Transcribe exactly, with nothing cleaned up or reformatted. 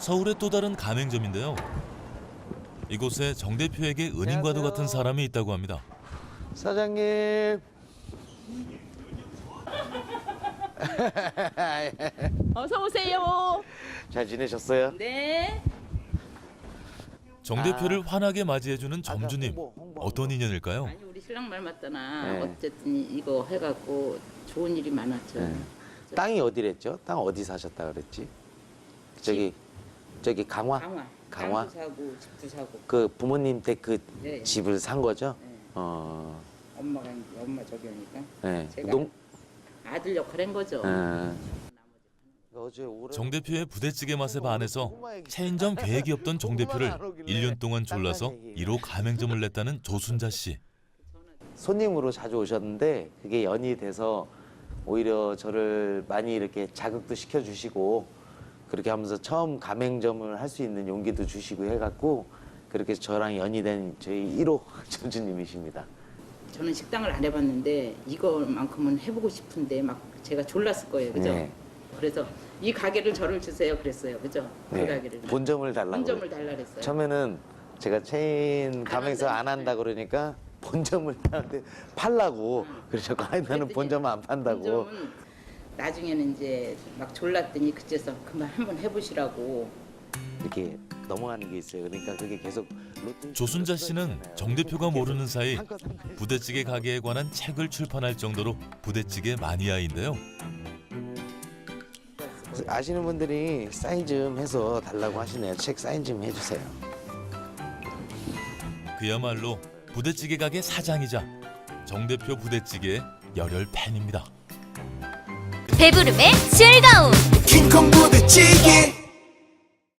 서울의 또 다른 가맹점인데요. 이곳에 정 대표에게 은인과도 같은 사람이 있다고 합니다. 사장님. 어서 오세요. 잘 지내셨어요? 네. 정 대표를 환하게 맞이해주는 점주님. 홍보, 홍보. 어떤 인연일까요? 아니 우리 신랑 말 맞잖아. 네. 어쨌든 이거 해갖고 좋은 일이 많았죠. 네. 땅이 어디랬죠? 땅 어디 사셨다 그랬지? 저기 저기 강화? 강화. 강화? 땅도 사고 집도 사고. 그 부모님 때 그 네. 집을 산 거죠? 네. 어. 엄마가 이제 엄마 저기 하니까 네. 제가 농 아들 역할 한 거죠. 네. 어제 오래 정 대표의 부대찌개 맛에 반해서 체인점 계획이 없던 정 대표를 일 년 동안 졸라서 일 호 가맹점을 냈다는 조순자 씨. 손님으로 자주 오셨는데 그게 연이 돼서 오히려 저를 많이 이렇게 자극도 시켜주시고 그렇게 하면서 처음 가맹점을 할 수 있는 용기도 주시고 해갖고 그렇게 저랑 연이 된 저희 일 호 점주님이십니다. 저는 식당을 안 해봤는데 이거만큼은 해보고 싶은데 막 제가 졸랐을 거예요, 그죠? 네. 그래서 이 가게를 저를 주세요, 그랬어요, 그죠? 그 네. 가게를. 본점을 달라고. 본점을 달라 그랬어요. 처음에는 제가 체인 가맹에서 안 한다 그러니까 본점을 나한테 팔라고 그래서 아니 나는 그랬더니 본점 안 판다고. 본점은 나중에는 이제 막 졸랐더니 그제서 그만 한번 해보시라고. 이렇게 넘어가는 게 있어요. 그러니까 그게 계속 로또 조순자 씨는 정 대표가 모르는 사이 부대찌개 가게에 관한 책을 출판할 정도로 부대찌개 마니아인데요. 아시는 분들이 사인 좀 해서 달라고 하시네요. 책 사인 좀 해주세요. 그야말로 부대찌개 가게 사장이자 정 대표 부대찌개의 열혈 팬입니다. 배부름의 즐거움